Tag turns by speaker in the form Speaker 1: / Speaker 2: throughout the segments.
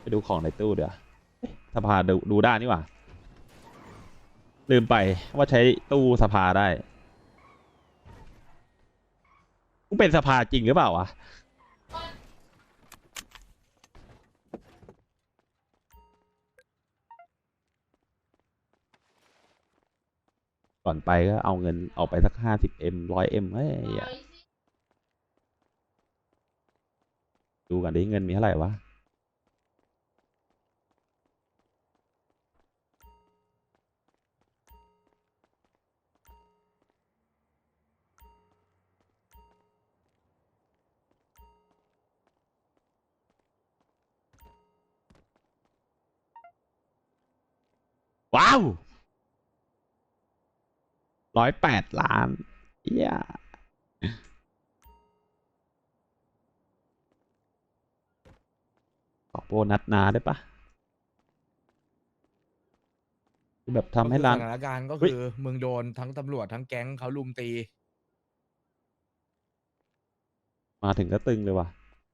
Speaker 1: ดูของในตู้เดี๋ยวสภาดูได้นี่หว่าลืมไปว่าใช้ตู้สภาได้กูเป็นสภาจริงหรือเปล่าวะก่อนไปก็เอาเงินออกไปสัก50M 100M เฮ้ยดูกันดิเงินมีเท่าไหร่วะว้าว108 ล้านเย้ยขอโบนัสนาได้ปะแบบทำให้ร้าน
Speaker 2: สถานการณ์ก็
Speaker 1: เฮ้ย
Speaker 2: คือมึงโดนทั้งตำรวจทั้งแก๊งเขาลุมตี
Speaker 1: มาถึงก็ตึงเลยว่ะ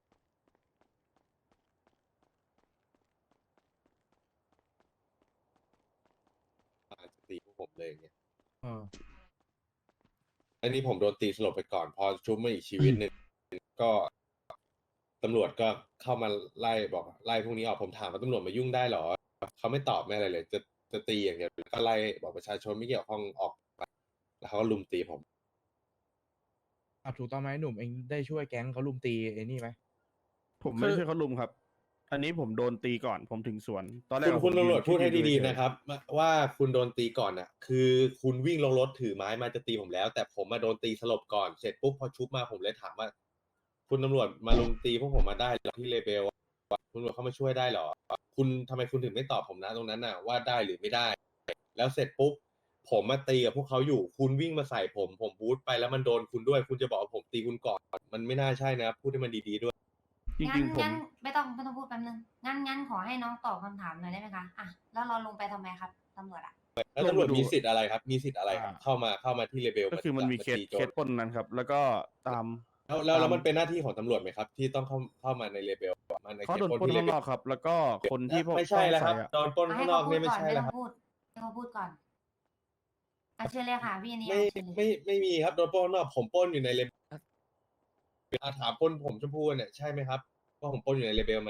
Speaker 3: จะตีพวกผมเลยเนี่ย
Speaker 2: เออ
Speaker 3: อันนี้ผมโดนตีสลบไปก่อน พอชุบมาอีกชีวิตหนึ่งก็ตำรวจก็เข้ามาไล่บอกไล่พวกนี้ออกผมถามว่าตำรวจมายุ่งได้เหรอเขาไม่ตอบไม่อะไรเลย จะตีอย่างเดียวก็ไล่บอกประชาชนไม่เกี่ยวข้องออกไปแล้วเขาก็ลุมตีผม
Speaker 2: ถูกต้องไหมหนุ่มเองได้ช่วยแก๊งเขาลุมตีไอ้นี่ไหม
Speaker 4: ผมไม่ได้ช่วยเขาลุมครับ อันนี้ผมโดนตีก่อนผมถึงสวน ตอนแรก
Speaker 3: คุณ
Speaker 4: ผม
Speaker 3: ตำรวจ
Speaker 4: ยืน
Speaker 3: พูดให้
Speaker 4: ยื
Speaker 3: ดี
Speaker 4: เฉย
Speaker 3: ๆนะครับ ว่าคุณโดนตีก่อนน่ะ คือคุณวิ่งลงรถถือไม้มาจะตีผมแล้ว แต่ผมมาโดนตีสลบก่อนเสร็จปุ๊บพอชุบมาผมเลยถามว่า คุณตำรวจมาลุมตีพวกผมมาได้เหรอที่เลเบลคุณตำรวจเข้ามาช่วยได้เหรอคุณทำไมคุณถึงไม่ตอบผมนะตรงนั้นน่ะว่าได้หรือไม่ได้ แล้วเสร็จปุ๊บผมมาตีกับพวกเขาอยู่ คุณวิ่งมาใส่ผมบูทไปแล้วมันโดนคุณด้วย คุณจะบอกว่าผมตีคุณก่อนมันไม่น่าใช่นะครับพูดให้มันดีๆด้วย
Speaker 4: จริงๆผม
Speaker 5: งั้นไม่ต้องพูดแป๊บนึงงั้นขอให้น้องตอบคำถามหน่อยได้ไหมคะอ่ะแล้วเราลงไปทำไมครับตำรวจอ่ะ
Speaker 3: แล้วตำรวจมีสิทธิ์อะไรครับ มีสิทธิ์อะไรครับเข้ามาที่เลเบล
Speaker 4: ก็คือมันมีเคส
Speaker 3: ตีโจ
Speaker 4: เค
Speaker 3: ร
Speaker 4: สปล้นนั้นครับ แล้วก็ตาม
Speaker 3: แล้วมันเป็นหน้าที่ของตำรวจไหมครับ ที่ต้องเข้ามาในเลเบลมาใน
Speaker 4: เขาโดน
Speaker 3: ขต
Speaker 4: ปล้น
Speaker 3: ที่เล
Speaker 4: ข้าง
Speaker 3: เบ
Speaker 4: น
Speaker 3: ล
Speaker 4: อกครับ แล้วก็คนที่พวก
Speaker 3: ไม่ใช่แล้วครับ
Speaker 4: ต้องใส่อะ
Speaker 3: โดนปล้นข้างนอกเนี่ยไม่ใช่แล้วครับ
Speaker 5: ให้เขาพูดก่อนอ่ะเชิญเลยค่ะพี่อันนี้
Speaker 3: ไม่
Speaker 5: เชิญเลย
Speaker 3: ไม่มีครับโดนปล้นข้างนอกผมปล้นอยู่ในเลเบลถามปล้นผมชมพู่เนี่ยใช่ไหมครับว่าผมปล้นอยู่ในเลเบลไหม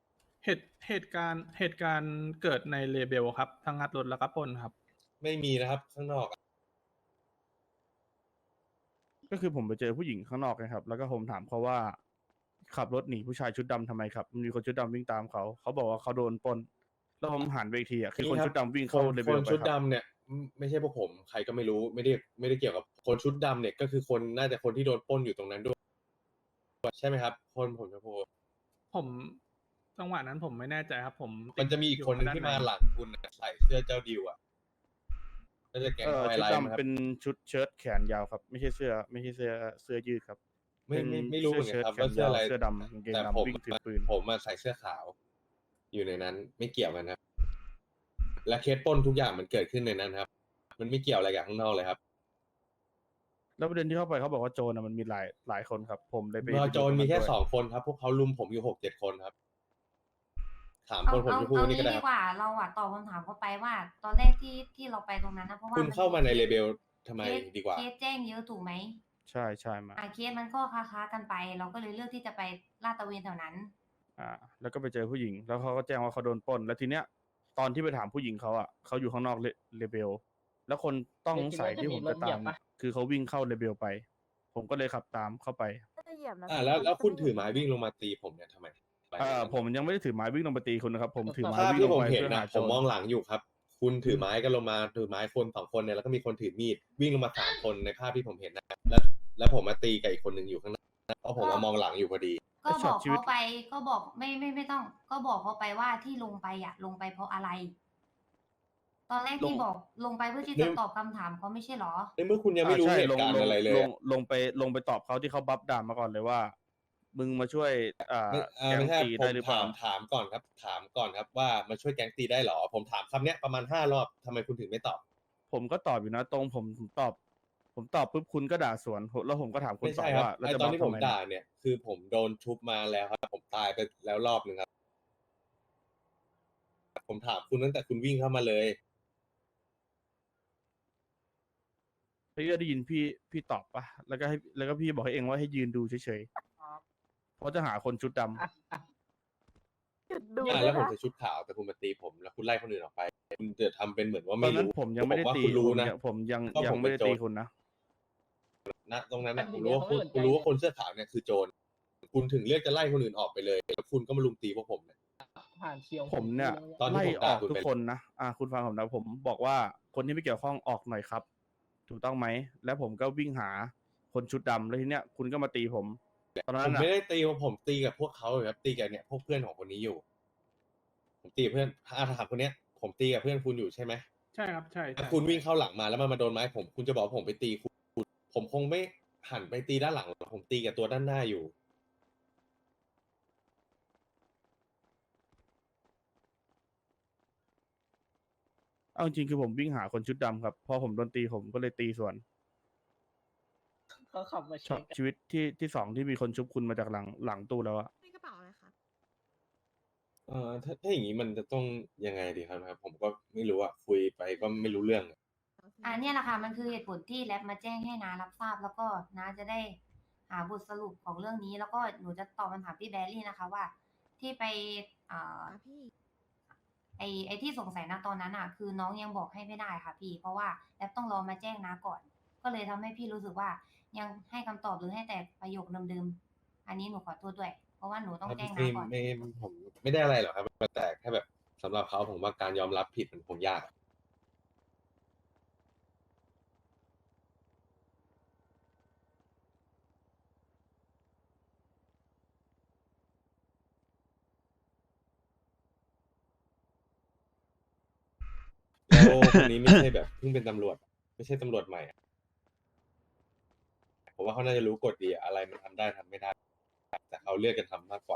Speaker 6: เหตุการณ์เกิดในเลเบลครับทั้งงัดรถแล้วก็ปล้นครับ
Speaker 3: ไม่มีนะครับข้างนอก
Speaker 4: ก็คือผมไปเจอผู้หญิงข้างนอกนะครับ แล้วก็ผมถามเขาว่า ขับรถหนีผู้ชายชุดดำทำไมครับมีคนชุดดำวิ่งตามเขาบอกว่าเขาโดนปล้นแล้วผมหันไปอีกทีอ่ะคือคนชุดดำวิ่งเข้าเลเว
Speaker 3: ค
Speaker 4: ล
Speaker 3: น
Speaker 4: ไป
Speaker 3: ชุด
Speaker 4: ครับ
Speaker 3: ดำเนี่ยไม่ใช่พวกผมใครก็ไม่รู้ไม่ได้เกี่ยวกับคนชุดดำเนี่ยก็คือคนน่าจะคนที่โดนปล้นอยู่ตรงนั้นด้วยใช่ไหมครับคนผมชมพู่
Speaker 6: ผมจังหวะนั้นผมไม่แน่ใจครับ ผม
Speaker 3: มันจะมีอีกคนหนึงที่มาหลังคุณน่ะใส่เสื้อเจ้าดิวอ่ะก็จะแก๊งไว
Speaker 4: ชุด
Speaker 3: ไลน์ไหมค
Speaker 4: ดำ
Speaker 3: รับ
Speaker 4: เป็นชุดเชิ้ตแขนยาวครับ ไม่ใช่เสื้อยืดครับ
Speaker 3: ไม่รู้เหมือนกันครับว่าเสื้ออะไร
Speaker 4: เสื้อดำกางเกง
Speaker 3: แต่
Speaker 4: ดำ
Speaker 3: ผม
Speaker 4: วิ่งถือปืน
Speaker 3: ผมมาใส่เสื้อขาว อยู่ในนั้นไม่เกี่ยวกันครับ และเคสปล้นทุกอย่างมันเกิดขึ้นในนั้นครับ มันไม่เกี่ยวอะไรกับข้างนอกเลยครับ
Speaker 4: แล้วประเด็นที่เข้าไปเขาบอกว่าโจรมันมีหลายคนครับ ผมเลยไป
Speaker 3: รอโจรมีแค่
Speaker 4: ไปดูตรงนั้นด้วย
Speaker 3: 2 คนครับ พวกเขาลุมผมอยู่6-7 คนครับ ถาม
Speaker 5: เอา
Speaker 3: คนผมจะพูด
Speaker 5: เอา
Speaker 3: นี่ก็
Speaker 5: งี้
Speaker 3: ได้
Speaker 5: ดี
Speaker 3: ครับ
Speaker 5: กว่าเราอะตอบคำถามเขาไปว่าตอนแรกที่เราไปตรงนั้นนะเพราะว่า
Speaker 3: คุณเข้ามาในเลเบลทำไม
Speaker 5: เคส
Speaker 3: ดีกว่า
Speaker 5: เคสแจ้งเยอะถูกไหม
Speaker 4: ใช่มา
Speaker 5: เคสมันก็ค้ากันไป เราก็เลยเลือกที่จะไปลาดตระเวนแถวนั้น
Speaker 4: แล้วก็ไปเจอผู้หญิง แล้วเขาก็แจ้งว่าเขาโดนปล้น แล้วทีเนี้ย ตอนที่ไปถามผู้หญิงเขาอ่ะเขาอยู่ข้างนอกเลเบล แล้วคนต้องสงสัยที่ผมจะตามเนี่ยคือเขาวิ่งเข้าเลเบลไป ผมก็เลยขับตามเข้าไป
Speaker 3: แล้วคุณถือไม้วิ่งลงมาตีผมเนี่ยทำไม
Speaker 4: ผมยังไม่ได้ถือไม้วิ่งลงไปตีคุณนะครับ ผมถือไม้
Speaker 3: ภาพ
Speaker 4: วิ่ง
Speaker 3: ที่
Speaker 4: ล
Speaker 3: ผ
Speaker 4: ง
Speaker 3: ม
Speaker 4: ไป
Speaker 3: เห็น
Speaker 4: เพื่อ
Speaker 3: นะ
Speaker 4: หา
Speaker 3: ผ
Speaker 4: โจ
Speaker 3: มมอง
Speaker 4: ร
Speaker 3: หลังอยู่ครับ คุณถือไม้กันลงมาถือไม้คน2 คนเนี่ยแล้วก็มีคนถือมีดวิ่งลงมา3 คนในภาพที่ผมเห็นนะแล้วผมมาตีกับอีกคนหนึ่งอยู่ข้างหน้าเพราะผมมามองหลังอยู่พอดี
Speaker 5: ก็บอกเขาไปก็บอกไม่ต้อง ก็บอกเขาไปว่าที่ลงไปอะลงไปเพราะอะไร ตอนแรกที่บอกลงไปเพื่อที่จะตอบคำถามเขาไม่ใช่หรอ
Speaker 3: ในเมื่อคุณยังไม่รู้
Speaker 4: ใช่
Speaker 3: เหตุการณ์อะไรเลยอะ
Speaker 4: ลงไปตอบเขาที่เขาบัฟด่ามาก่อนเลยว่า มึงมาช่วยแก๊ง
Speaker 3: ไม่ใช่
Speaker 4: ตี
Speaker 3: ผ
Speaker 4: ได้
Speaker 3: ม
Speaker 4: หรือเปล่า
Speaker 3: ถามก่อนครับ ถามก่อนครับว่ามาช่วยแก๊งตีได้เหรอ ผมถามคำเนี้ยประมาณ5 รอบทำไมคุณถึงไม่ตอบ
Speaker 4: ผมก็ตอบอยู่นะตรงผมตอบปุ๊บคุณก็ด่าสวนแล้วผมก็ถามคุณ
Speaker 3: ไม่
Speaker 4: ต่อ
Speaker 3: ใช่ครับ
Speaker 4: ว่าแล้ว
Speaker 3: ไอ
Speaker 4: จะ
Speaker 3: ตอน
Speaker 4: บัฟ
Speaker 3: ที่
Speaker 4: ทำ
Speaker 3: ผม
Speaker 4: ไม
Speaker 3: ด่าเนี่ยคือผมโดนชุบมาแล้วครับผมตายไปแล้วรอบหนึ่งครับผมถามคุณตั้งแต่คุณวิ่งเข้ามาเลย
Speaker 4: พี่ก็ได้ยินพี่ตอบปะแล้วก็พี่บอกให้เองว่าให้ยืนดูเฉยๆเพราะจะหาคนชุดดำ
Speaker 3: แล้วผมใส่ชุดขาวแต่คุณมาตีผมแล้วคุณไล่คนอื่นออกไป คุณจะทำเป็นเหมือนว่า
Speaker 4: ตอ
Speaker 3: ไม่
Speaker 4: นนั้น
Speaker 3: รู้
Speaker 4: ผมยังไม่ได้
Speaker 3: ว่า
Speaker 4: ตี
Speaker 3: คุณรู้
Speaker 4: ผม
Speaker 3: นะ
Speaker 4: ผมยัง
Speaker 3: ว่า
Speaker 4: ยั
Speaker 3: ผ
Speaker 4: ง
Speaker 3: ม
Speaker 4: ไม่
Speaker 3: เป็น
Speaker 4: ได้ตี
Speaker 3: โจร
Speaker 4: คุณนะ
Speaker 3: ณตรงนั้นนะ
Speaker 7: อัน
Speaker 3: ผ
Speaker 7: นี้
Speaker 3: มรู้ว่า
Speaker 7: เขาไม่สนใจ
Speaker 3: คุณรู้ว่าคนเสื้อขาวเนี่ยคือโจรคุณถึงเลือกจะไล่คนอื่นออกไปเลยแล้วคุณก็มาลุมตีพวกผมเนี่ย
Speaker 7: ผ่านเชียว
Speaker 4: ผมเนี่ย
Speaker 3: ตอนที่
Speaker 4: ไล่
Speaker 3: ผม
Speaker 4: อ
Speaker 3: ด่า
Speaker 4: อก
Speaker 3: คุณ
Speaker 4: ทุก
Speaker 3: ไป
Speaker 4: คนนะคุณฟังผมนะผมบอกว่าคนที่ไม่เกี่ยวข้องออกหน่อยครับ ถูกต้องไหมแล้วผมก็วิ่งหาคนชุดดำแล้วทีเนี้ยคุณก็มาตีผมตอน
Speaker 3: ผ
Speaker 4: นั้น
Speaker 3: ม
Speaker 4: อ่ะ
Speaker 3: ไม่ได้ตีผมตีกับพวกเขาเลยครับตีกับเนี่ยพวกเพื่อนของคนนี้อยู่ ผมตีกับเพื่อนถามคนเนี้ย ผมตีกับเพื่อนคุณอยู่ใช่ไหม
Speaker 6: ใช่ครับใช่
Speaker 3: ถ้าคุณวิ่งเข้าหลังมาแล้วมันมาโดนไม้ผมคุณจะบอกว่าผมไปตีคุณผมคงไม่หันไปตีด้านหลังหรอกผมตีกับตัวด้านหน้าอยู่
Speaker 4: เอาจริงๆคือผมวิ่งหาคนชุดดำครับพอผมโดนตีผมก็เลยตีสวน
Speaker 7: เขาขับมา
Speaker 4: ช็อ
Speaker 7: เช็
Speaker 4: ต
Speaker 7: ค
Speaker 4: ชีวิตที่สองที่มีคนชุบคุณมาจากหลังตู้แล้วอะ
Speaker 8: ในกระเป๋าอะไรคะ
Speaker 3: ถ้าอย่างนี้มันจะต้องยังไงดีครับ ผมก็ไม่รู้อะคุยไปก็ไม่รู้เรื่องอะ
Speaker 5: เนี่ยแหละค่ะมันคือเหตุผลที่แรปมาแจ้งให้น้ารับทราบ แล้วก็น้าจะได้หาบทสรุปของเรื่องนี้ แล้วก็หนูจะตอบคำถามพี่แบรี่นะคะว่า ที่ไป
Speaker 8: พี่
Speaker 5: ไอที่สงสัยนะตอนนั้นอ่ะ คือน้องยังบอกให้ไม่ได้ค่ะพี่ เพราะว่าแรปต้องรอมาแจ้งน้าก่อน ก็เลยทำให้พี่รู้สึกว่ายังให้คำตอบหรือให้แต่ประโยคเดิมๆอันนี้หนูขอโทษด้วย เพราะว่าหนูต้องแจ้งน้าก่อน
Speaker 3: ผมไม่ได้อะไรหรอกครับแต่แค่แบบสำหรับเขาผมว่าการยอมรับผิดมันคงยาก แล้วคนนี้ไม่ใช่แบบเพิ่งเป็นตำรวจ ไม่ใช่ตำรวจใหม่อะผมว่าเขาน่าจะรู้กฎดีอะอะไรมันทำได้ทำไม่ได้ แต่เขาเลือกกันทำมากกว่า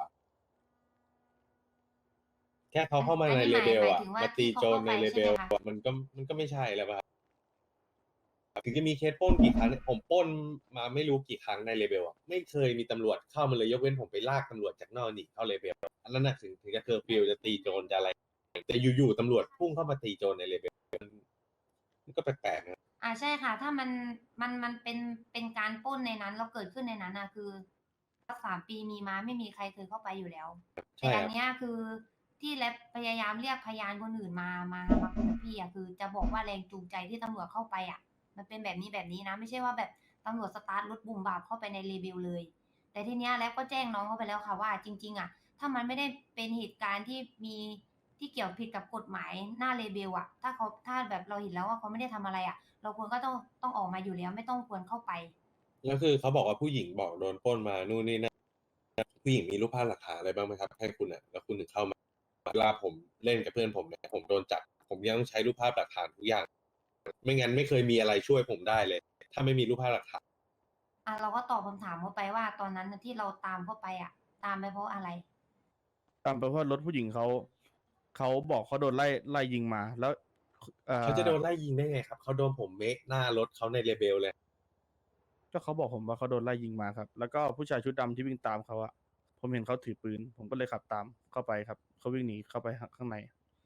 Speaker 3: แค่เขาเข้ามาใน
Speaker 5: อันนี้
Speaker 3: เลเบล
Speaker 5: หมาย
Speaker 3: อะ
Speaker 5: ถึงว่า
Speaker 3: มาตี
Speaker 5: ที่เขา
Speaker 3: โจรใน
Speaker 5: เข้าไป
Speaker 3: เลเบล
Speaker 5: ใช่ไหมคะ
Speaker 3: มันก็ไม่ใช่แล้วป่ะครับถึงจะมีเคสปล้นกี่ครั้งเนี่ยผมปล้นมาไม่รู้กี่ครั้งในเลเบลอะไม่เคยมีตำรวจเข้ามาเลยยกเว้นผมไปลากตำรวจจากนอกหนีเข้าเลเบลอันนั้นน่ะถึงจะเคอร์ฟิวจะตีโจรจะอะไร แต่อยู่ๆตำรวจพุ่งเข้ามาตีโจรในเลเบลมันก็แปลกๆนะ
Speaker 5: ใช่ค่ะ ถ้ามันเป็นการปล้นในนั้นแล้วเกิดขึ้นในนั้นนะคือ3 ปีมีมาไม่มีใครเคยเข้าไปอยู่แล้ว
Speaker 3: ใช่
Speaker 5: แต่
Speaker 3: ค
Speaker 5: อั
Speaker 3: รับ
Speaker 5: นเนี้ยคือที่แลบพยายามเรียกพยานคนอื่นมาคุยกับพี่อ่ะคือจะบอกว่าแรงจูงใจที่ตำรวจเข้าไปอ่ะ มันเป็นแบบนี้นะ ไม่ใช่ว่าแบบตำรวจสตาร์ทรถบูมบาบเข้าไปในรีวิวเลย แต่ทีเนี้ยแลบก็แจ้งน้องเขาไปแล้วค่ะว่าจริง ๆ อ่ะ ถ้ามันไม่ได้เป็นเหตุการณ์ที่มีที่เกี่ยวผิดกับกฎหมายหน้าเลเบลอ่ะ ถ้าแบบเราเห็นแล้วว่าเขาไม่ได้ทำอะไรอ่ะ เราควรก็ต้องออกมาอยู่แล้วไม่ต้องควรเข้าไป
Speaker 3: แล้วคือเขาบอกว่าผู้หญิงบอกโดนปล้นมานู่นนี่นั่นผู้หญิงมีรูปภาพหลักฐานอะไรบ้างไหมครับให้คุณอ่ะแล้วคุณถึงเข้ามาเวลาผมเล่นกับเพื่อนผมเนี่ยผมโดนจับผมยังต้องใช้รูปภาพหลักฐานทุกอย่าง ไม่งั้นไม่เคยมีอะไรช่วยผมได้เลย ถ้าไม่มีรูปภาพหลักฐาน
Speaker 5: เราก็ตอบคำถามเขาไปว่าตอนนั้นน่ะที่เราตามเข้าไปอ่ะ ตามไปเพราะอะไร
Speaker 4: ตามไปเพราะรถผู้หญิงเขาบอกเขาโดนไล่ยิงมาแล้ว
Speaker 3: เขาจะโดนไล่ยิงได้ไงครับเขาโดนผมเมคหน้ารถเขาในเลเบลเลย
Speaker 4: ก็เขาบอกผมว่าเขาโดนไล่ยิงมาครับ แล้วก็ผู้ชายชุดดำที่วิ่งตามเขาอะผมเห็นเขาถือปืน ผมก็เลยขับตามเข้าไปครับเขาวิ่งหนีเข้าไปข้างใน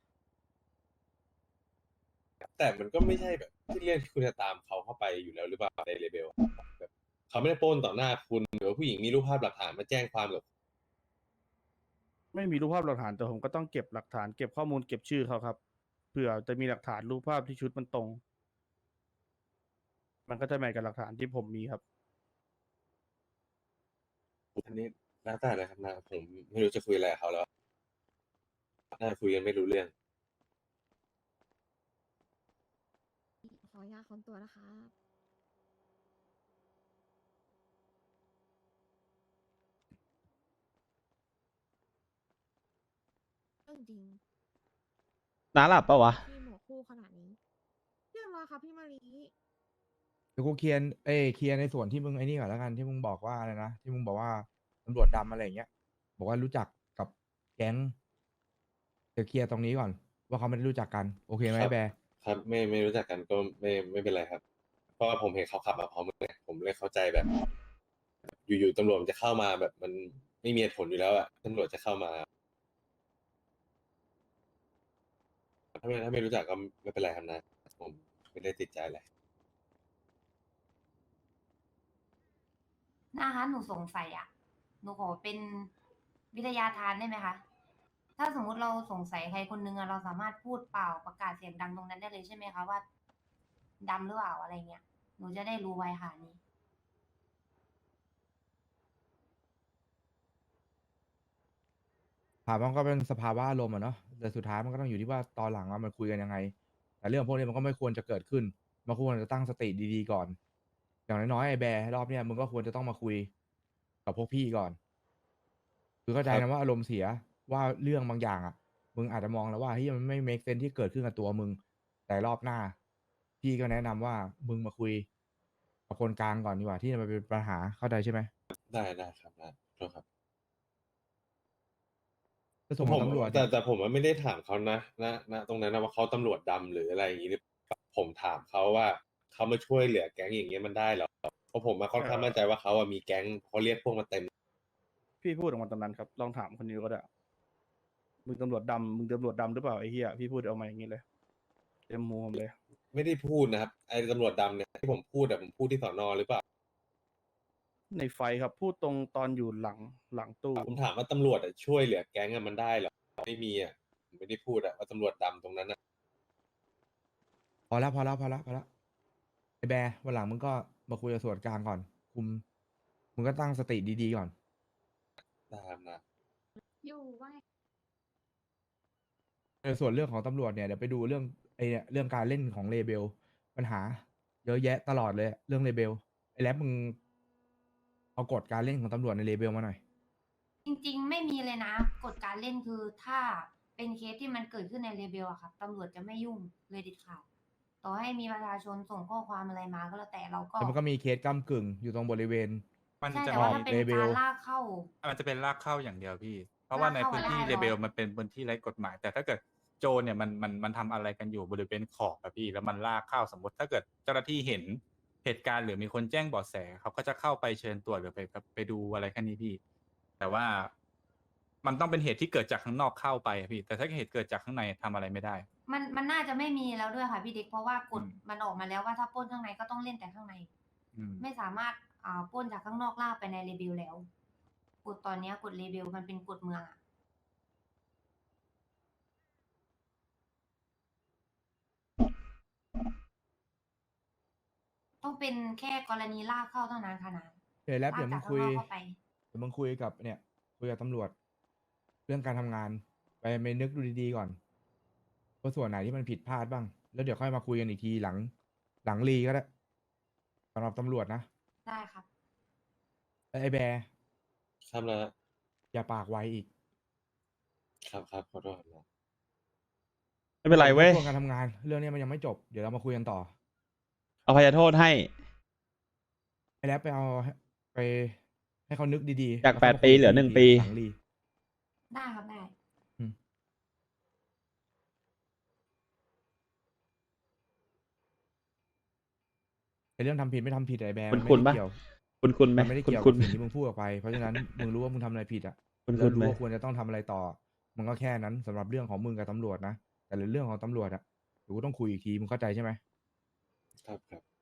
Speaker 3: แต่มันก็ไม่ใช่แบบที่เรื่องที่คุณจะตามเขาเข้าไปอยู่แล้วหรือเปล่าในเลเบลแบบเขาไม่ได้ปล้นต่อหน้าคุณหรือว่าผู้หญิงมีรูปภาพหลักฐานมาแจ้งความกับ
Speaker 4: ไม่มีรูปภาพหลักฐานแต่ผมก็ต้องเก็บหลักฐานเก็บข้อมูลเก็บชื่อเขาครับเผื่อจะมีหลักฐานรูปภาพที่ชุดมันตรง มันก็จะแมทกับหลักฐานที่ผมมีครับ
Speaker 3: อันนี้แล้วแต่นะครับนะผมไม่รู้จะคุยอะไรกับเขาแล้วน่าจะคุยกันไม่รู้เรื่อง
Speaker 8: ขออนุญาตค้นตัวนะคะ เรื่องจริง
Speaker 1: น้าหลับปะวะ
Speaker 8: พี่หมวกคู่ขนาดนี้เรียบร้อยค่ะพี่มารี
Speaker 2: เดี๋ยวกูเคลียร์เคลียร์ในส่วนที่มึงไอ้นี่ก่อนแล้วกันที่มึงบอกว่าอะไรนะที่มึงบอกว่าตำรวจดำอะไรอย่างเงี้ย บอกว่ารู้จักกับแก๊งเดี๋ยวเคลียร์ตรงนี้ก่อน ว่าเขาไม่ได้รู้จักกัน โอเคไหม
Speaker 3: ครับ
Speaker 2: แบร์
Speaker 3: ครับไม่รู้จักกันก็ไม่เป็นไรครับ เพราะว่าผมเห็นเขาขับมาพร้อมกันไงผมเลยเข้าใจแบบ อยู่ๆตำรวจมันจะเข้ามาแบบมันไม่มีเหตุผลอยู่แล้วอะตำรวจจะเข้ามาถ้าไม่รู้จักก็ไม่เป็นไรครับนะ ผมไม่ได้ติดใจอะไร
Speaker 5: นะคะหนูสงสัยอ่ะ หนูขอเป็นวิทยาทานได้ไหมคะ ถ้าสมมุติเราสงสัยใครคนนึงอะเราสามารถพูดเปล่าประกาศเสียงดังตรงนั้นได้เลยใช่ไหมคะว่าดำหรือเปล่าอะไรเงี้ย หนูจะได้รู้ไว้ค่ะนี่
Speaker 2: ถามว่ามันก็เป็นสภาวะอารมณ์อะเนาะแต่สุดท้ายมันก็ต้องอยู่ที่ว่าตอนหลังว่ามันคุยกันยังไง แต่เรื่องพวกนี้มันก็ไม่ควรจะเกิดขึ้นมันควรจะตั้งสติดีๆก่อน อย่างน้อยๆไอ้แบร์รอบเนี้ยมึงก็ควรจะต้องมาคุยกับพวกพี่ก่อน คือเข้าใจ
Speaker 3: ครั
Speaker 2: นะ
Speaker 3: บ
Speaker 2: ว่าอารมณ์เสียว่าเรื่องบางอย่างอ่ะ มึงอาจจะมองแล้วว่าเฮ้ยมันไม่ make sense ที่เกิดขึ้นกับตัวมึง แต่รอบหน้า พี่ก็แนะนำว่ามึงมาคุยกับคนกลางก่อนดีกว่าที่มันเป็นปัญหาเข้าใจใช่ไหม
Speaker 3: ได้ครับนะโทษครับ
Speaker 2: ก็ส่งของตำรวจ
Speaker 3: แต่ผมว่าไม่ได้ถามเขานะตรงนั้นนะว่าเขาตำรวจดำหรืออะไรอย่างนี้หรือเปล่าผมถามเขาว่าเขามาช่วยเหลือแก๊งอย่างเงี้ยมันได้เหรอเพราะผมมาค่อนข้างมั่นใจว่าเขาอะมีแก๊งเขาเรียกพวกมาเต็ม
Speaker 4: พี่พูดออกมาตอนนั้นครับ ลองถามคนนี้ก็ได้มึงตำรวจดำมึงตำรวจดำหรือเปล่าไอ้เหี้ยพี่พูดออกมาอย่างนี้เลยเต็มมูผมเลย
Speaker 3: ไม่ได้พูดนะครับไอ้ตำรวจดำเนี่ยที่ผมพูดผมพูดที่สอนอหรือเปล่า
Speaker 4: ในไฟครับพูดตรงตอนอยู่หลังตู้
Speaker 3: ผมถามว่าตำรวจอะช่วยเหลือแก๊งอะมันได้เหรอไม่มีอะผมไม่ได้พูดอะว่าตำรวจดำตรงนั้นอะ
Speaker 2: พอแล้วไอ้แบร์วันหลังมึงก็มาคุยกับส่วนกลางก่อน มึงก็ตั้งสติดีๆก่อน
Speaker 3: ตามนะ
Speaker 8: อยู่ว่า
Speaker 2: ส่วนเรื่องของตำรวจเนี่ยเดี๋ยวไปดูเรื่องไอ้เนี่ยเรื่องการเล่นของเลเบลปัญหา เยอะแยะตลอดเลยเรื่องเลเบลไอ้แรปมึงเอากฎการเล่นของตำรวจในเลเบลมาหน่อย
Speaker 5: จริงๆ ไม่มีเลยนะกฎการเล่นคือถ้าเป็นเคสที่มันเกิดขึ้นในเรเบลอะครับตำรวจจะไม่ยุ่งเลยเด็ดขาดต่อให้มีประชาชนส่งข้อความอะไรมาก็แล้วแต่เราก็
Speaker 2: แต่มันก็มีเคสก้ำกึ่งอยู่ตรงบริเวณ
Speaker 9: มัน
Speaker 5: ใช่
Speaker 9: จะ
Speaker 5: แต่ว่าถ้าเป็น
Speaker 2: เลเบล
Speaker 5: การลากเข้า
Speaker 9: มันจะเป็นลากเข้าอย่างเดียวพี่ เพราะว่าใน
Speaker 5: ลากเข้า
Speaker 9: พื้นที่
Speaker 5: ได้
Speaker 9: เลเบล
Speaker 5: เหรอ
Speaker 9: มันเป็นพื้นที่ไร้กฎหมาย แต่ถ้าเกิดโจรเนี่ยมันทำอะไรกันอยู่บริเวณขอบอะพี่ แล้วมันลากเข้าสมมติถ้าเกิดเจ้าหน้าที่เห็นเหตุการณ์หรือมีคนแจ้งเบาะแสเขาก็จะเข้าไปเชิญตรวจหรือไปดูอะไรแค่นี้พี่ แต่ว่ามันต้องเป็นเหตุที่เกิดจากข้างนอกเข้าไปอะพี่ แต่ถ้าเหตุเกิดจากข้างในทำอะไรไม่ได้
Speaker 5: มันน่าจะไม่มีแล้วด้วยค่ะพี่เด็กเพราะว่ากฎ
Speaker 9: อืม
Speaker 5: มันออกมาแล้วว่าถ้าปล้นข้างในก็ต้องเล่นแต่ข้างใน
Speaker 9: อืม
Speaker 5: ไม่สามารถปล้นจากข้างนอกลากไปในเรเบลแล้วกฎตอนเนี้ยกฎเรเบลมันเป็นกฎเมืองอะต้องเป็นแค่กรณีลากเข้าเท่านั้นค่ะนะ
Speaker 2: เดี๋ยวแรป
Speaker 5: ลาก
Speaker 2: เดี๋ยวมึ
Speaker 5: จาก
Speaker 2: ง
Speaker 5: ข้า
Speaker 2: คุ
Speaker 5: ง
Speaker 2: ย
Speaker 5: นอกเข้าไป
Speaker 2: เดี๋ยวมึงคุยกับเนี่ยคุยกับตำรวจ เรื่องการทำงาน ไปนึกดูดีๆก่อนว่าส่วนไหนที่มันผิดพลาดบ้าง แล้วเดี๋ยวค่อยมาคุยกันอีกทีหลังรีก็ได้สำหรับตำรวจนะ
Speaker 5: ได้ครับ
Speaker 2: ไอ้แบร์
Speaker 3: ครับนะ
Speaker 2: อย่าปากไวอีก
Speaker 3: ครับขอโทษนะ
Speaker 1: ไม่เป็นไรเว้ย
Speaker 2: ช่วงการทำงาน เรื่องนี้มันยังไม่จบเดี๋ยวเรามาคุยกันต่อ
Speaker 1: อภัยโทษให้
Speaker 2: ไอ้แรปไปเอาไปให้เขานึกดีๆ
Speaker 1: จาก
Speaker 2: แล้วค่ยม
Speaker 1: 8 ปีเหลือ
Speaker 2: คุยกั
Speaker 1: 1 ปี
Speaker 2: หลังรี
Speaker 5: ได้ครับได้
Speaker 2: ไอ้เรื่องทำผิดไม่ทำผิดไอ้แบร์
Speaker 1: คุณ
Speaker 2: มันไม่
Speaker 1: ปะ
Speaker 2: ได้เกี่ยว
Speaker 1: คุณไหม
Speaker 2: มันไม่ได้เกี่ยว
Speaker 1: คุ
Speaker 2: กับ
Speaker 1: ณ
Speaker 2: สิ่งที่มึงพูดออกไป เพราะฉะนั้น มึงรู้ว่ามึงทำอะไรผิดอ่ะ
Speaker 1: คุณ
Speaker 2: แล้ว
Speaker 1: ไหม
Speaker 2: รู้ว่าควรจะต้องทำอะไรต่อ มันก็แค่นั้นสำหรับเรื่องของมึงกับตำรวจนะ แต่เรื่องของตำรวจอ่ะเดี๋ยวกูต้องคุยอีกที มึงเข้าใจใช่ไหม
Speaker 3: ครับ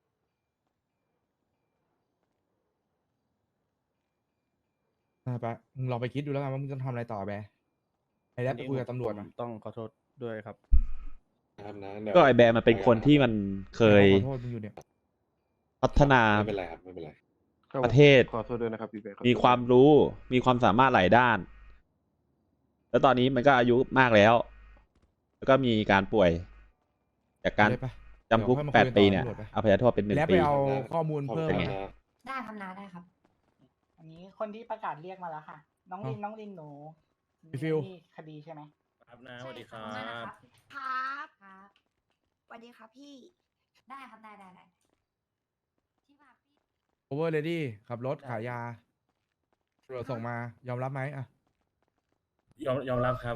Speaker 2: ไปมึงลองไปคิดดูแล้วกันว่ามึงจะทำอะไรต่อแบร์ไอ้แรปไปคุยกับตำรวจ
Speaker 4: ผม
Speaker 2: นะ
Speaker 4: ต้องขอโทษด้วยครับ
Speaker 3: ครับนะเดี๋ยว
Speaker 1: ก็ไอแบร์มันเป็นคนที่มันเคย
Speaker 2: ขอโทษมึงอยู่เนี่ย
Speaker 1: พัฒนา
Speaker 3: ไม่เป็นไรครับไม่เป็นไร
Speaker 1: ประเทศ
Speaker 10: ขอโทษด้วยนะครับพี่เบค
Speaker 1: มีความรู้ มีความสามารถหลายด้าน แล้วตอนนี้มันก็อายุมากแล้ว แล้วก็มีการป่วย จากการ
Speaker 2: ได้ปะ
Speaker 1: จำคุก
Speaker 2: เดี๋ยวค่อยมาคุยกัน
Speaker 1: 8 ปีเนี่ย
Speaker 2: ต่อตำรวจไป
Speaker 1: อภัยโทษเป็น
Speaker 2: แล้
Speaker 1: 1
Speaker 2: วไป
Speaker 1: ปี
Speaker 2: เอาข้อมูลเพิ่ม
Speaker 3: ขอบคุณ
Speaker 2: นะ
Speaker 3: ครับ
Speaker 5: ได้ครับนาได้ครับ
Speaker 7: อันนี้คนที่ประกาศเรียกมาแล้วค่ะ น้องลิน
Speaker 2: อ๋อ
Speaker 7: น้องลินหนู
Speaker 2: พี่ฟิว
Speaker 7: มีคดีใช่ไหม
Speaker 4: ครับนะสวัสดีครั
Speaker 5: ใช่ครับ
Speaker 8: ครับ
Speaker 5: ครับ
Speaker 8: สวัสดีครับพี่
Speaker 5: ได้ครับได้ที่ว่าพี่
Speaker 2: โอเวอร์เลดี้ขับรถขายยาตำรวจส่งมายอมรับไหมอ่ะ
Speaker 10: ยอมรับครับ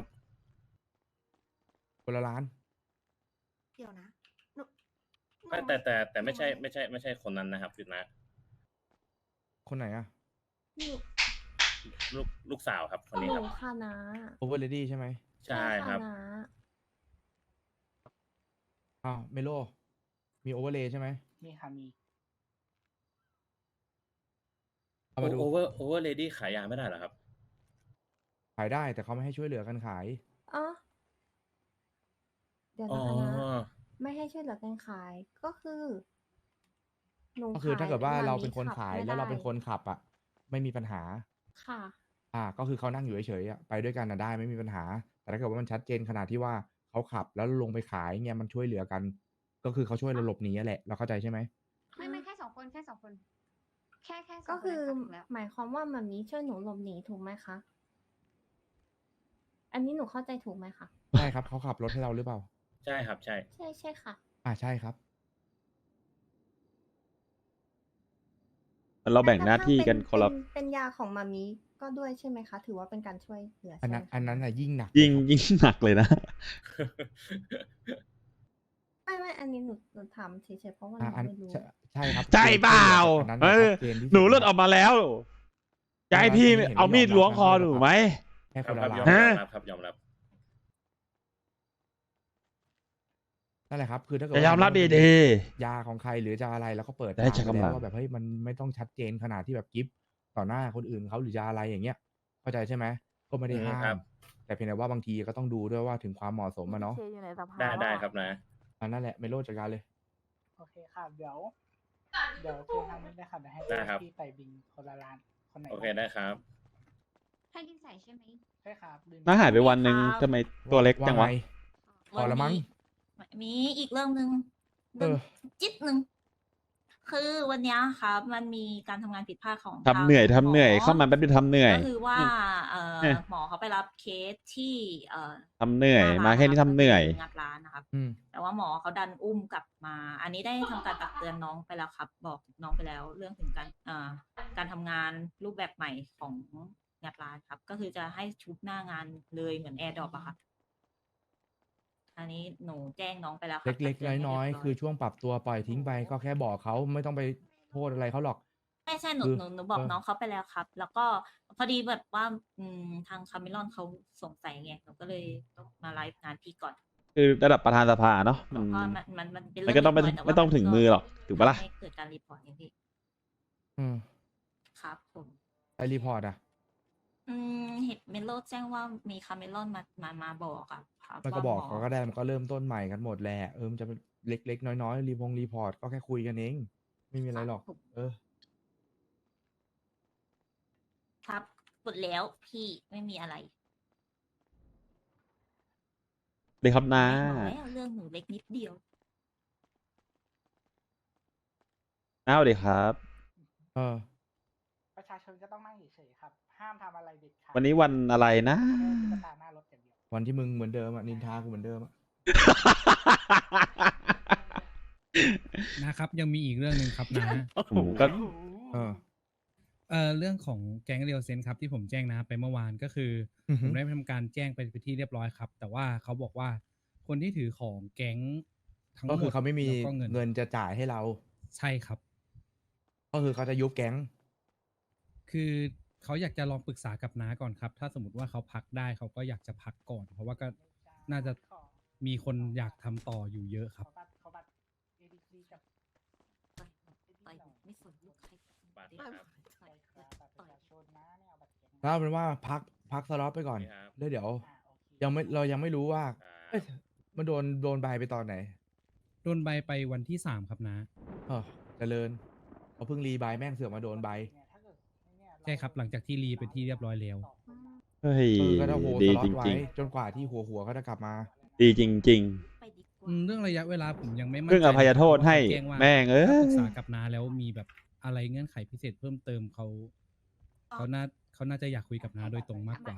Speaker 2: คนละล้าน
Speaker 8: เดี๋ยวนะหนูหนู
Speaker 10: แต่ไม่ใช่คนนั้นนะครับพี่นะ
Speaker 2: คนไหนอ่ะ
Speaker 8: หนู
Speaker 10: ลูกสาวครับคน
Speaker 8: ห
Speaker 10: นี้
Speaker 8: นู
Speaker 10: ครับ
Speaker 8: ค่ะนะ
Speaker 2: โอเวอร์เลดี้ใช่ไหม
Speaker 10: ใช่ครับ
Speaker 8: นะ
Speaker 2: อ้าวเมโลมีโอเวอร์เลย์ใช่ไหม
Speaker 7: มีค่ะมี
Speaker 2: เอามาดู
Speaker 10: โอเวอร์เลดี้ขายยาไม่ได้เหรอครับ
Speaker 2: ขายได้แต่เขาไม่ให้ช่วยเหลือกันขาย
Speaker 8: อ๋อ เดี๋ยว
Speaker 10: อ๋อ
Speaker 8: นะคะนะไม่ให้ช่วยเหลือกันขาย ก็คือ หนู
Speaker 2: ก็คือถ้าเกิดว่า
Speaker 8: ขย
Speaker 2: เรา
Speaker 8: หม
Speaker 2: เป็นคน
Speaker 8: ขับ
Speaker 2: ขาย
Speaker 8: ไม่
Speaker 2: แล้วเรา
Speaker 8: ได้
Speaker 2: เป็นคนขับอ่ะ ไม่มีปัญหา
Speaker 8: ค่ะ
Speaker 2: ก็คือเขานั่งอยู่เฉยๆอะไปด้วยกันนะได้ไม่มีปัญหา แต่ถ้าเกิดว่ามันชัดเจนขนาดที่ว่าเขาขับแล้วลงไปขายเงี้ยมันช่วยเหลือกัน ก็คือเขาช่วยเราหลบหนีอะแหละเราเข้าใจใช่ไหม
Speaker 11: ไม่แค่2 คนแค่ 2 คน แค่2
Speaker 8: ก็คือ
Speaker 11: ถูกแล้ว
Speaker 8: หมายความว่ามันนี้ช่วยหนูหลบหนีถูกไหมคะ อันนี้หนูเข้าใจถูกไหมคะ
Speaker 2: ใช่ครับเขาขับรถให้เราหรือเปล่า
Speaker 10: ใช่ครับ ใช่
Speaker 8: ใช่ค่ะ
Speaker 2: ใช่ครับ
Speaker 1: เราแบ่งหน้าที่กันคนละ
Speaker 8: เป็นยาของมามีก็ด้วยใช่ไหมคะ ถือว่าเป็นการช่วยเหลือ
Speaker 2: อัน
Speaker 8: ใช่
Speaker 2: นั้น
Speaker 8: ไหม
Speaker 2: อันนั้น
Speaker 8: คะ
Speaker 2: น่ะยิ่งหนัก
Speaker 1: ยิ่ง
Speaker 2: เลยครับ
Speaker 1: ยิ่งหนักเลยนะ
Speaker 8: ไม่อันนี้หนูถามเฉยๆเพราะว่าห
Speaker 2: อ่ะ
Speaker 8: นู
Speaker 2: อัน
Speaker 8: ไม่รู้
Speaker 2: ใช่ครับ
Speaker 1: ใช่เปล่า
Speaker 2: อันนั้น
Speaker 1: เอ
Speaker 2: น่ะ
Speaker 1: อ
Speaker 2: ชัดเจนที่สุด
Speaker 1: หนูเลือด
Speaker 2: ค
Speaker 1: อ
Speaker 2: รั
Speaker 1: อบ กมาแล้วจะให้พี่
Speaker 2: อันนี้เห็น
Speaker 1: เอามีด
Speaker 2: ไม่ยอมรับ
Speaker 1: ล้วงคอ
Speaker 2: นะ
Speaker 1: หนูไหม
Speaker 2: แค่
Speaker 10: ค
Speaker 2: ครับ น
Speaker 10: ครั
Speaker 2: ละ
Speaker 10: บ
Speaker 2: ลาย
Speaker 10: ยอม
Speaker 1: ฮะ
Speaker 10: รับครับ ยอมรับ
Speaker 2: นั่นแหละครับ คือถ้าเกิด
Speaker 1: จะ
Speaker 2: ว่าย
Speaker 1: อมรับ
Speaker 2: มันเป็น
Speaker 1: ดี
Speaker 2: ยาของใครหรือจะอะไรแล้วก็เปิด
Speaker 1: ได้
Speaker 2: ทาง
Speaker 1: ใช้
Speaker 2: ไป
Speaker 1: กำลั
Speaker 2: แล้ว
Speaker 1: ง
Speaker 2: ว่าแบบเฮ้ยมันไม่ต้องชัดเจนขนาดที่แบบกิฟต่อหน้าคนอื่นเขาหรือจะอะไรอย่างเงี้ย เข้าใจใช่ไหมก็ไม่ได้ห้า
Speaker 10: ครั
Speaker 2: ม
Speaker 10: บ
Speaker 2: แต่เพียงแต่ว่าบางทีก็ต้องดูด้วยว่าถึงความเหมาะสมอะเนาะ
Speaker 10: ได้ครับนะ
Speaker 2: อันนั่นแหละเมโลจัดการเลย
Speaker 7: โอเคค่ะ เดี๋ยวเชิญทางนี้ได้ค่ะเดี๋ยวให้
Speaker 10: ได้ครับ
Speaker 7: พี่ใส่บินคนละล้าน คนไหน
Speaker 10: โอเคได้ครับ
Speaker 11: ให้ดินใส่ใช่ไหม
Speaker 7: ใช่ครับบิน
Speaker 1: น่าหายไปวันหนึ่ง
Speaker 11: ครับ
Speaker 1: ทำไมตัวเล็กจังวะ
Speaker 2: ไพอละมั้ง
Speaker 11: มีอีกเรื่องหนึ่ง
Speaker 2: เออ
Speaker 11: จิ๊ดหนึ่งคือวันเนี้ยครับมันมีการทำงานผิดพลาดของ
Speaker 1: ทำเหนื่อย
Speaker 11: ทาง
Speaker 1: ทำเหนื่อย
Speaker 11: หม
Speaker 1: เข้ามาแป๊บเดียวทำเหนื่อย
Speaker 11: ก็คือว่า
Speaker 1: เนี่ย
Speaker 11: หมอเขาไปรับเคสที่
Speaker 1: ทำเหนื่อย
Speaker 11: หน้ร้
Speaker 1: มาแค่นี้ทำเหนื่อย
Speaker 11: ก็คืงัดร้านนะครับ
Speaker 2: อืม
Speaker 11: แต่ว่าหมอเขาดันอุ้มกลับมา อันนี้ได้ทำการตักเตือนน้องไปแล้วครับ บอกน้องไปแล้ว เรื่องถึงการทำงานรูปแบบใหม่ของงัดร้านครับ ก็คือจะให้ชุบหน้างานเลยเหมือนแอร์ดรอปอะครับ อันนี้หนูแจ้งน้องไปแล้วครับ
Speaker 2: เล็ก
Speaker 11: ตัตืให้
Speaker 2: ๆน้อย
Speaker 11: เรีบร้
Speaker 2: ๆคือช่วงปรับตัวปล่อยทิ้งไปก็แค่บอกเขาไม่ต้องไปโทษอะไรเขาหรอก
Speaker 11: ใช่หนู
Speaker 2: คือ
Speaker 11: หนูบอก
Speaker 2: เออ
Speaker 11: น้องเขาไปแล้วครับ แล้วก็พอดีแบบว่าทางคาเมลอนเขาสงสัยไงหนูก็เลยต้องมาไลฟ์งานพี่ก่อน
Speaker 1: คือระดับประธานสภาเนาะ
Speaker 11: เพราะว่ามันเป็น
Speaker 1: มัน
Speaker 11: เรื่
Speaker 1: ก็ต้องไม่
Speaker 11: เล็กน้ย
Speaker 1: ไม่ต้องถึงมือหรอกถูกปะล่ะ
Speaker 11: ไม่เกิดการรีพอร์ตอย่างพี่
Speaker 2: อืม
Speaker 11: ครับผม
Speaker 2: ไอรีพอร์ตอ่ะ
Speaker 11: เห็นเมโลแจ้งว่ามีคาเมลอนมาบอกอะครับ
Speaker 2: มันก็
Speaker 11: ว่า
Speaker 2: บอก
Speaker 11: หม
Speaker 2: เขาก็ได้มันก็เริ่มต้นใหม่กันหมดแหละมันจะเป็นเล็กๆน้อยๆรีพอร์ตก็แค่คุยกันเอง ไม่มีอะไรหรอก
Speaker 11: ครับผม
Speaker 2: เออ
Speaker 11: ครับหมดแล้วพี่ไม่มีอะไร
Speaker 1: เลยครับนะ
Speaker 11: บอกแล้วเรื่องหนูเล็กนิดเดียว
Speaker 1: เอาเดี๋ยวครับ
Speaker 2: เออ
Speaker 7: ประชาชนก็ต้องนั่งเฉยๆครับ ห้ามทำอะไรเด็ดขาด
Speaker 1: วันนี้วันอะไรนะ
Speaker 7: แค่ตุ๊กตาหน้ารถอย่างเดียว
Speaker 2: วันที่มึงเหมือนเดิมอ่ะนินทากูเหมือนเดิมอ่ะ
Speaker 12: นะครับยังมีอีกเรื่องหนึ่งครับนะ
Speaker 1: ผมก็
Speaker 2: เออ
Speaker 12: เรื่องของแก๊งเรียวเซนครับที่ผมแจ้งนะไปเมื่อวานก็คืออ
Speaker 2: อฮึ
Speaker 12: ผมได้ทำการแจ้งไปที่เรียบร้อยครับ แต่ว่าเขาบอกว่าคนที่ถือของแก๊งทั้งหม
Speaker 2: ก็
Speaker 12: ด
Speaker 2: คือเขาไม่มี
Speaker 12: แล้วก็
Speaker 2: เงินจะจ่ายให้เรา
Speaker 12: ใช่ครับ
Speaker 2: ก็คือเขาจะยุบแก๊ง
Speaker 12: คือเขาอยากจะลองปรึกษากับน้าก่อนครับ ถ้าสมมติว่าเขาพักได้เขาก็อยากจะพักก่อน เพราะว่าก็น่าจะมีคนอยากทำต่ออยู่เยอะครับ
Speaker 7: เขาบัตร ADC กับ
Speaker 11: ต่อยไม่สนลูกใคร
Speaker 10: บัตร
Speaker 11: ต่
Speaker 10: ครับ
Speaker 11: อย
Speaker 7: บัตรประชาชนนะเนี่ยเอาบัตรแก๊ง
Speaker 2: แล้วเอาเป็นว่าพักสล็อตไปก่อน
Speaker 10: นี่ครับ
Speaker 2: แล้วเดี๋ยว
Speaker 7: โอเค
Speaker 2: เรายังไม่รู้ว่า
Speaker 10: ครับ
Speaker 2: เอ้ยมันโดนใบไปตอนไหน
Speaker 12: โดนใบไปวันที่3ครับนะ
Speaker 2: เออเจริญเขาเพิ่งรีใบแม่งเสือกมาโดนใบ
Speaker 7: เนี่ยถ้าเกิดเนี่ย
Speaker 12: ใช่ครับหลังจากที่รีเป็นที่เรียบร้อยแล้ว
Speaker 1: เฮ้ย
Speaker 2: ก็ต้องโฮส
Speaker 1: ดี
Speaker 2: ล็อ
Speaker 1: จ
Speaker 2: ตไว้
Speaker 1: ริง
Speaker 2: จนกว่าที่หัวเขาจะกลับมา
Speaker 1: ๆ ดีจริง
Speaker 11: ไปดีกว่า
Speaker 12: เรื่องระยะเวลาผมยังไม่มั่น
Speaker 1: เรื่อง
Speaker 12: ใจ
Speaker 1: อภัยโทษ
Speaker 12: นะครับ
Speaker 1: ให้
Speaker 12: เพราะเขาแจ้ว่า
Speaker 1: แม่งเอ้ย
Speaker 12: ถ้าปรึกษากับน้าแล้วมีแบบอะไรเงื่อนไขพิเศษเพิ่มเติมเขาน่าจะอยากคุยกับน้าโดยตรงมากกว่า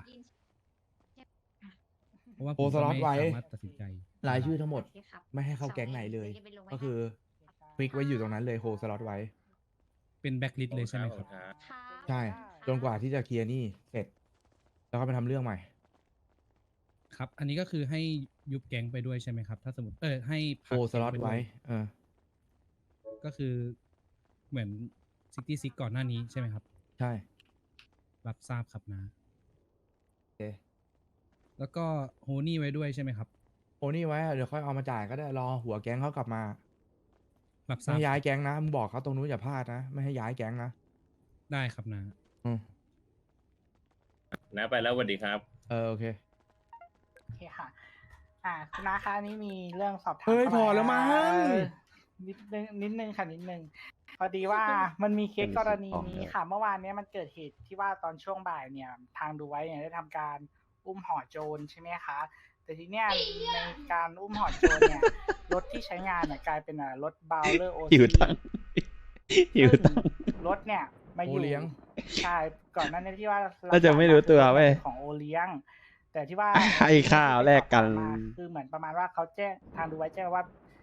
Speaker 12: เพราะว่าผม
Speaker 2: โอ้สล็อตไว้
Speaker 12: ไม่สามารถตัดสินใจ
Speaker 2: รายชื่อทั้งหมด
Speaker 11: โอเคครับ
Speaker 2: ไม่ให้เข้าแก๊งไหนเลย
Speaker 11: ดี๋วจะไปงไว้
Speaker 2: ก็คือคลิกไว้อยู่ตรงนั้นเลยโฮสล็อตไว้
Speaker 12: เป็นแบ็คลิสต์เลยใช่ไหมครับ
Speaker 10: ครับ
Speaker 11: ครับ
Speaker 2: ใช่ จนกว่าที่จะเคลียร์หนี้เสร็จ แล้วก็ไปทำเรื่องใหม่
Speaker 12: ครับ อันนี้ก็คือให้ยุบแก๊งไปด้วยใช่ไหมครับ ถ้าสมมติให้
Speaker 2: โฮ
Speaker 12: พัก
Speaker 2: สล็อต
Speaker 12: แก๊งป
Speaker 2: ไว้
Speaker 12: ด้วย
Speaker 2: เออ
Speaker 12: ก็คือเหมือนซิกก่อนหน้านี้ใช่ไหมครับ
Speaker 2: ใช่
Speaker 12: รับทราบครับนะ
Speaker 2: โอเค
Speaker 12: แล้วก็โฮนี่ไว้ด้วยใช่ไหมครับ
Speaker 2: โอนี่ไว้อะเดี๋ยวค่อยเอามาจ่ายก็ได้รอหัวแก๊งเขากลับมา
Speaker 12: รับท
Speaker 2: ไม่
Speaker 12: ราบ
Speaker 2: ให้ย้าย
Speaker 12: ครับ
Speaker 2: แก๊งนะมึงบอกเขาตรงนู้นอย่าพลาดนะไม่ให้ย้ายแก๊งนะ
Speaker 12: ได้ครับนะ
Speaker 2: อืม
Speaker 10: นะไปแล้วสวัสดีครับ
Speaker 2: โอเค
Speaker 7: โอเคค่ะ คุณนาคะอันนี้มีเรื่องสอบถาม
Speaker 2: เฮ้ย
Speaker 7: ข้าา
Speaker 2: พอแล้วมั้ง
Speaker 7: นิดนึงค่ะนิดนึงพอดีว่ามันมีเคสกรณีนี้ค่ะ เมื่อวานเนี้ยมันเกิดเหตุที่ว่าตอนช่วงบ่ายเนี่ย ทางดูไว้เนี่ยได้ทำการอุ้มห่อโจรใช่ไหมคะ แต่ทีเนี้ยในการอุ้มห่อโจรเนี่ย รถที่ใช้งานเนี่ยกลายเป็นรถบาวเลอร์โอ
Speaker 1: หิวตังค์หิวตังค์
Speaker 7: รถเนี่ยมาอยู่
Speaker 2: โอเลี้ยง
Speaker 7: ใช่ก่อนหน้านี้ที่ว่า
Speaker 1: น่าจะไม่รู้ตัวเว้ย
Speaker 7: ของโอเลี้ยง แต่ที่ว่า
Speaker 1: ให้ข้าวแลกกัน
Speaker 7: คือเหมือนประมาณว่าเขาแจ้งทางดูไว้แจ้งว่า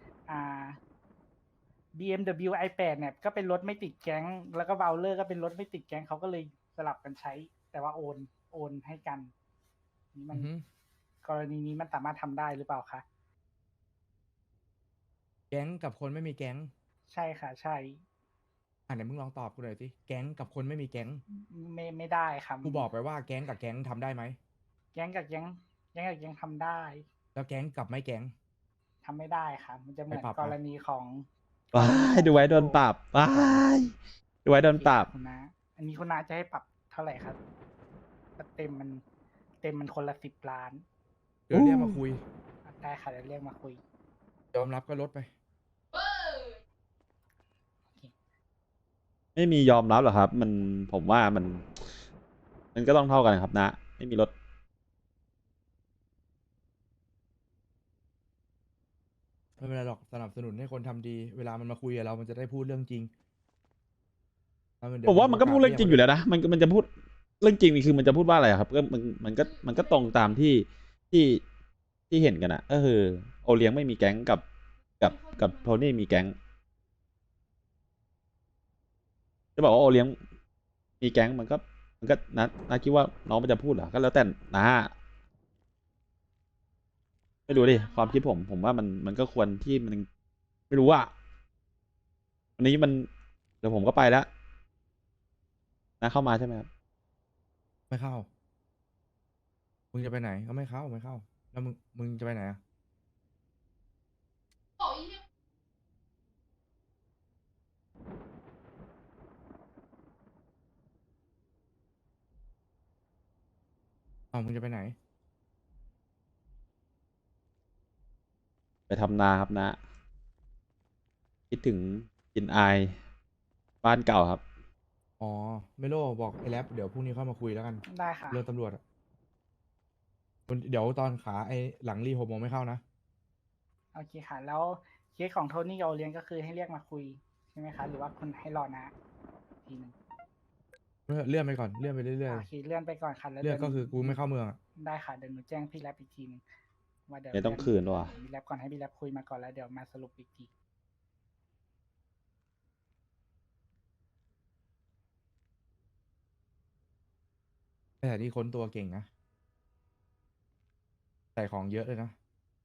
Speaker 7: BMW i8 เนี่ยก็เป็นรถไม่ติดแก๊งแล้วก็เบลเลอร์ก็เป็นรถไม่ติดแก๊งเขาก็เลยสลับกันใช้ แต่ว่าโอนให้กันนี่มัน
Speaker 2: อือฮึ
Speaker 7: กรณีนี้มันสามารถทำได้หรือเปล่าคะ
Speaker 2: แก๊งกับคนไม่มีแก๊ง
Speaker 7: ใช่ค่ะ ใช่
Speaker 2: ไหนมึงลองตอบกูหน่อยสิแก๊งกับคนไม่มีแก๊ง
Speaker 7: ไม่ได้ครับ
Speaker 2: กูบอกไปว่าแก๊งกับแก๊งทำได้ไหม
Speaker 7: แก๊งกับแก๊งทำได้
Speaker 2: แล้วแก๊งกับไม่แก๊ง
Speaker 7: ทำไม่ได้ครับมันจะเหมือน
Speaker 2: ไปปรับ
Speaker 7: กรณีของ
Speaker 1: ว้ายดูไว้โดนปรับว้ายดูไว้โดนปรับ
Speaker 7: คุณน้าอันนี้คุณน้าจะให้ปรับเท่าไหร่ครับเต็มมันคนละ10 ล้าน
Speaker 2: เดี๋ยวเรียกมาคุย
Speaker 7: ได้ค่ะเดี๋ยวเรียกมาคุย
Speaker 2: ยอมรับก็ลดไป
Speaker 1: ไม่มียอมรับหรอกครับ มันผมว่ามันก็ต้องเท่ากันครับนะ ไม่มีลด
Speaker 2: ไม่เป็นไรหรอกสนับสนุนให้คนทำดี เวลามันมาคุยกับเรามันจะได้พูดเรื่องจริงถ้เดี๋ย
Speaker 1: ผมว่ามันก็พูดเรื่องจริงอยู่
Speaker 2: แล้ว
Speaker 1: แล้วนะมันจะพูดเรื่องจริงนี่คือมันจะพูดว่าอะไรอะครับก็มันก็ตรงตามที่เห็นกันอะก็คือโอเลี้ยงไม่มีแก๊งกับโทนี่มีแก๊งจะบอกว่าโอเลี้ยงมีแก๊งมันก็นะคิดว่าน้องมันจะพูดเหรอก็แล้วแต่นะไม่รู้ดิความคิดผมว่ามันก็ควรที่มันไม่รู้ว่าวันนี้เดี๋ยวผมก็ไปแล้วนะเข้ามาใช่ไหมครับ
Speaker 2: ไม่เข้า มึงจะไปไหนก็ไม่เข้าแล้วมึงจะไปไหนอะมึงจะไปไหน
Speaker 1: ไปทำนาครับนะ คิดถึงกินอายบ้านเก่าครับ
Speaker 2: อ๋อไม่โลบอกไอ้แรปเดี๋ยวพรุ่งนี้เข้ามาคุยแล้วกัน
Speaker 7: ได้ค่ะ
Speaker 2: เรื่องตำรวจอะเดี๋ยวตอนขาไอ้หลังรี6 โมงไม่เข้านะ
Speaker 7: โอเคค่ะ แล้วเคสของโทนี่กับโอเลี้ยงก็คือให้เรียกมาคุยใช่ไหมคะหรือว่าคุณให้รอนะทีหนึง
Speaker 2: เลื่อนไปก่อนเลื่อนไปเรื่อย
Speaker 7: โอเคเลื่อนไปก่อนค่ะแล้ว
Speaker 2: ๆเลื่อนก็คือกูไม่
Speaker 7: เข้า
Speaker 2: เข้าเมืองอะ
Speaker 7: ได้ค่ะเดี๋ยวหนูแจ้งพี่แรปอีกทีหนึงว่าเดี๋ยว
Speaker 1: ไม่ต้องคืนว่ะ
Speaker 7: พี่แรปก่อนให้พี่แรปคุยมาก่อนแล้วเดี๋ยวมาสรุปอีกที
Speaker 2: แต่นี่ค้นตัวเก่งนะใส่ของเยอะเลยนะ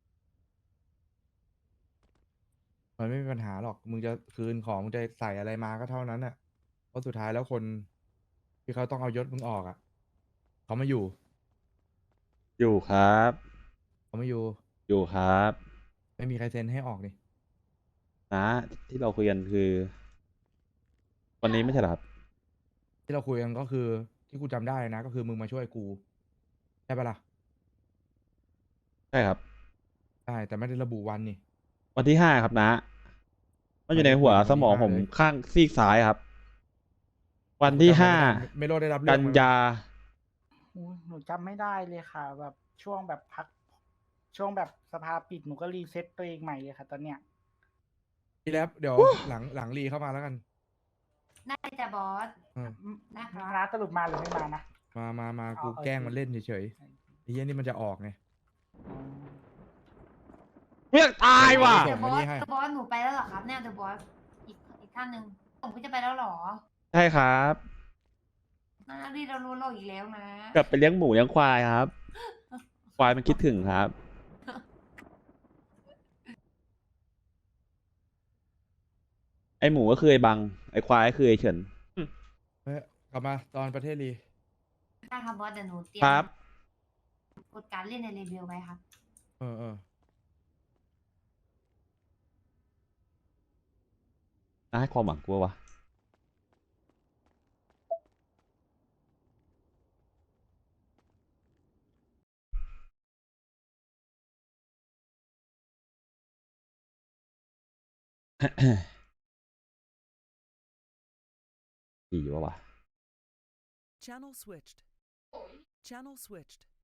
Speaker 2: มันไม่มีปัญหาหรอกมึงจะคืนของมึงจะใส่อะไรมาก็เท่านั้นน่ะเพราะสุดท้ายแล้วคนที่เขาต้องเอายศมึงออกอ่ะเขาไม่อยู่
Speaker 1: อยู่ครับ
Speaker 2: เขาไม่อยู่
Speaker 1: อยู่ครับ
Speaker 2: ไม่มีใครเซ็นให้ออกนี่
Speaker 1: นะที่เราคุยกันคือ วันนี้ไม่ใช่เหรอครับ
Speaker 2: ที่เราคุยกันก็คือที่กูจำได้นะ ก็คือมึงมาช่วยกูใช่ปะล่ะ
Speaker 1: ใช่ครับ
Speaker 2: ใช่แต่ไม่ได้ระบุวันนี่
Speaker 1: วันที่5ครับนะมันอยู่ในหัวสมองผมข้างซีกซ้ายครับ วันที่5
Speaker 2: ไม่โลดได้รับเรื่
Speaker 1: กั
Speaker 2: อง
Speaker 1: น
Speaker 2: มั้ย
Speaker 1: ยา
Speaker 7: หนูจำไม่ได้เลยค่ะ แบบช่วงแบบพัก ช่วงแบบสภาปิดหนูก็รีเซ็ตตัวเองใหม่เลยค่ะ ตอนเนี้ย
Speaker 2: พี่แรปเดี๋ยวหลังรีเข้ามาแล้วกัน
Speaker 5: ได้จ้ะบอส
Speaker 2: อืม
Speaker 5: นะคะ
Speaker 7: ร้านสรุปมาหรือไม่มานะ
Speaker 2: มา
Speaker 7: อ๋อ
Speaker 2: กู
Speaker 7: โอเค
Speaker 2: แกล้งมันเล่นเฉยๆไอ้เหี้ยนี่มันจะออกไง
Speaker 1: เรียกตายว่ะ
Speaker 5: เดอะบอส
Speaker 2: ส่งมานี่ให้
Speaker 5: เดอะบอสหนูไปแล้วเหรอครับเนี่ยเดอะบอสอีกท่านหนึ่งผมก็จะไปแล้วเหรอ
Speaker 1: ใช่ครับ
Speaker 5: นารีเรารู้เราอีกแล้วนะ
Speaker 1: กลับไปเลี้ยงหมูเลี้ยงควายครับ ควายมันคิดถึงครับ ไอหมูก็คือไอบัง ไอควายก็คือไอเฉิน
Speaker 2: เฮ้ยกลับมาตอนประเทศรี
Speaker 5: ได้ครับบอสเดี๋ยวหนูเตรีย
Speaker 1: ค
Speaker 5: ม
Speaker 1: รับ
Speaker 5: กดการเล่นในเรเบลไว้ครับ
Speaker 2: เออ
Speaker 1: ให้ความหวังกูวะ ดีวะวะ
Speaker 13: Channel switched. Channel switched.